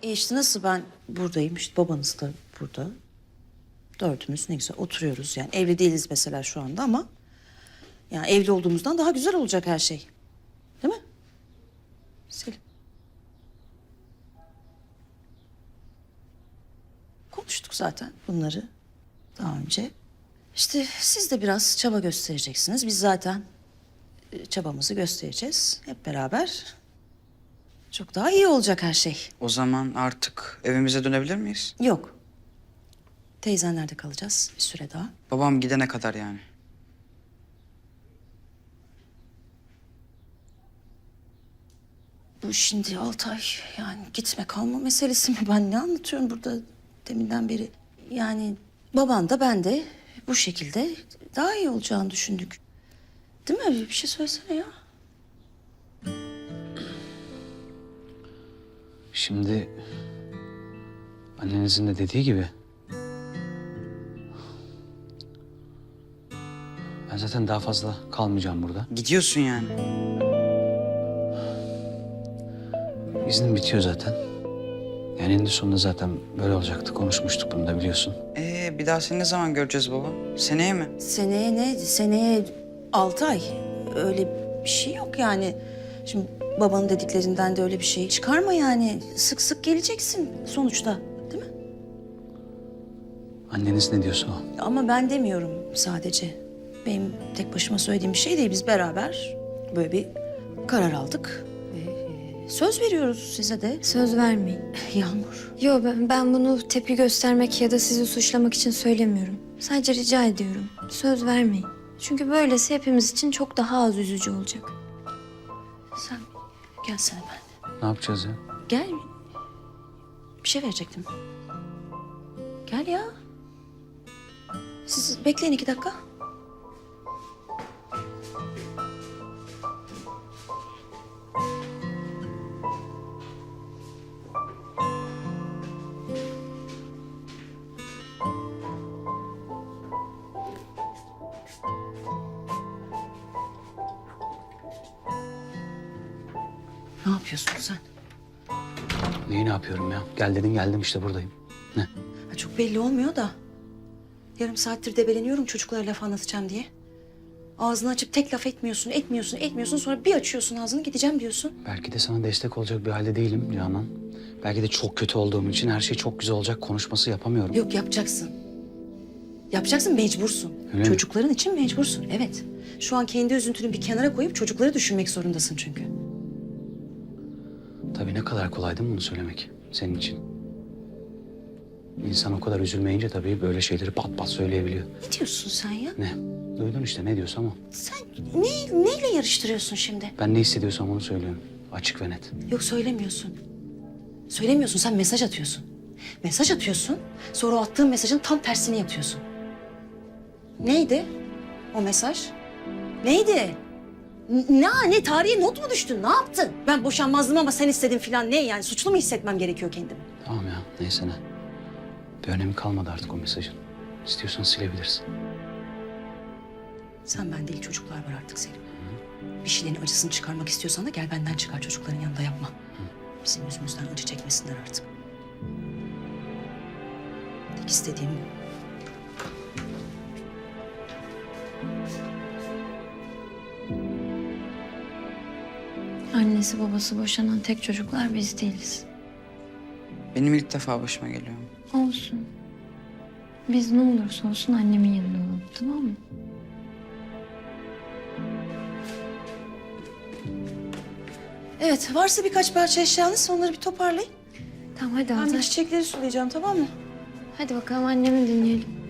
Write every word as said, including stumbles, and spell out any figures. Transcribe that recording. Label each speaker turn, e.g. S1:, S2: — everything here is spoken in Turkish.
S1: E işte nasıl ben buradayım, işte babanız da burada. Dördümüz ne güzel oturuyoruz. Yani evli değiliz mesela şu anda ama... yani evli olduğumuzdan daha güzel olacak her şey. Değil mi? Selim. Konuştuk zaten bunları daha önce. İşte siz de biraz çaba göstereceksiniz. Biz zaten e, çabamızı göstereceğiz hep beraber. Çok daha iyi olacak her şey.
S2: O zaman artık evimize dönebilir miyiz?
S1: Yok. Teyzenlerde kalacağız bir süre daha.
S2: Babam gidene kadar yani.
S1: Bu şimdi Altay yani gitme kalma meselesi mi? Ben ne anlatıyorum burada deminden beri? Yani baban da ben de bu şekilde daha iyi olacağını düşündük. Değil mi? Bir şey söylesene ya.
S3: Şimdi annenizin de dediği gibi ben zaten daha fazla kalmayacağım burada.
S2: Gidiyorsun yani.
S3: İznim bitiyor zaten. Yani eninde sonunda zaten böyle olacaktı. Konuşmuştuk bunu da biliyorsun.
S2: Ee, bir daha seni ne zaman göreceğiz baba? Seneye mi?
S1: Seneye ne? Seneye altı ay. Öyle bir şey yok yani. Şimdi babanın dediklerinden de öyle bir şey çıkarma yani. Sık sık geleceksin sonuçta. Değil mi?
S3: Anneniz ne diyorsa o.
S1: Ama ben demiyorum sadece. Benim tek başıma söylediğim bir şey değil. Biz beraber böyle bir karar aldık. Ve e, söz veriyoruz size de.
S4: Söz vermeyin.
S1: Yağmur.
S4: Yo ben, ben bunu tepki göstermek ya da sizi suçlamak için söylemiyorum. Sadece rica ediyorum. Söz vermeyin. Çünkü böylesi hepimiz için çok daha az üzücü olacak.
S1: Sen gelsene ben.
S3: Ne yapacağız ya?
S1: Gel. Bir şey verecektim. Gel ya. Siz bekleyin iki dakika. Ne yapıyorsun sen?
S3: Neyi ne yapıyorum ya? Gel dedin geldim işte buradayım. Ne?
S1: Ha, çok belli olmuyor da. Yarım saattir debeleniyorum çocuklara laf anlatacağım diye. Ağzını açıp tek laf etmiyorsun, etmiyorsun, etmiyorsun. Sonra bir açıyorsun ağzını gideceğim diyorsun.
S3: Belki de sana destek olacak bir halde değilim Canan. Belki de çok kötü olduğum için her şey çok güzel olacak konuşması yapamıyorum.
S1: Yok yapacaksın. Yapacaksın mecbursun.
S3: Öyle mi?
S1: Çocukların için mecbursun evet. Şu an kendi üzüntünü bir kenara koyup çocukları düşünmek zorundasın çünkü.
S3: Tabii ne kadar kolay değil mi bunu söylemek senin için? İnsan o kadar üzülmeyince tabii böyle şeyleri pat pat söyleyebiliyor.
S1: Ne diyorsun sen ya?
S3: Ne? Duydun işte ne diyorsam o.
S1: Sen ne, neyle yarıştırıyorsun şimdi?
S3: Ben ne hissediyorsam onu söylüyorum. Açık ve net.
S1: Yok söylemiyorsun. Söylemiyorsun sen mesaj atıyorsun. Mesaj atıyorsun sonra o attığın mesajın tam tersini yapıyorsun. Neydi o mesaj? Neydi? N- Ne, ne tarihe not mu düştün? Ne yaptın? Ben boşanmazdım ama sen istedin falan ne yani? Suçlu mu hissetmem gerekiyor kendimi?
S3: Tamam ya neyse ne. Bir önemi kalmadı artık o mesajın. İstiyorsan silebilirsin.
S1: Sen ben değil çocuklar var artık Selim. Bir şeylerin acısını çıkarmak istiyorsan da gel benden çıkar çocukların yanında yapma. Bizim yüzümüzden acı çekmesinler artık. Tek istediğim bu.
S4: Annesi babası boşanan tek çocuklar biz değiliz.
S2: Benim ilk defa başıma geliyor.
S4: Olsun. Biz ne olursa olsun annemin yanında olalım tamam mı?
S1: Evet varsa birkaç parça eşyanız onları bir toparlayın.
S4: Tamam hadi
S1: Ben bir
S4: Altay.
S1: çiçekleri sulayacağım tamam mı?
S4: Hadi bakalım annemi dinleyelim.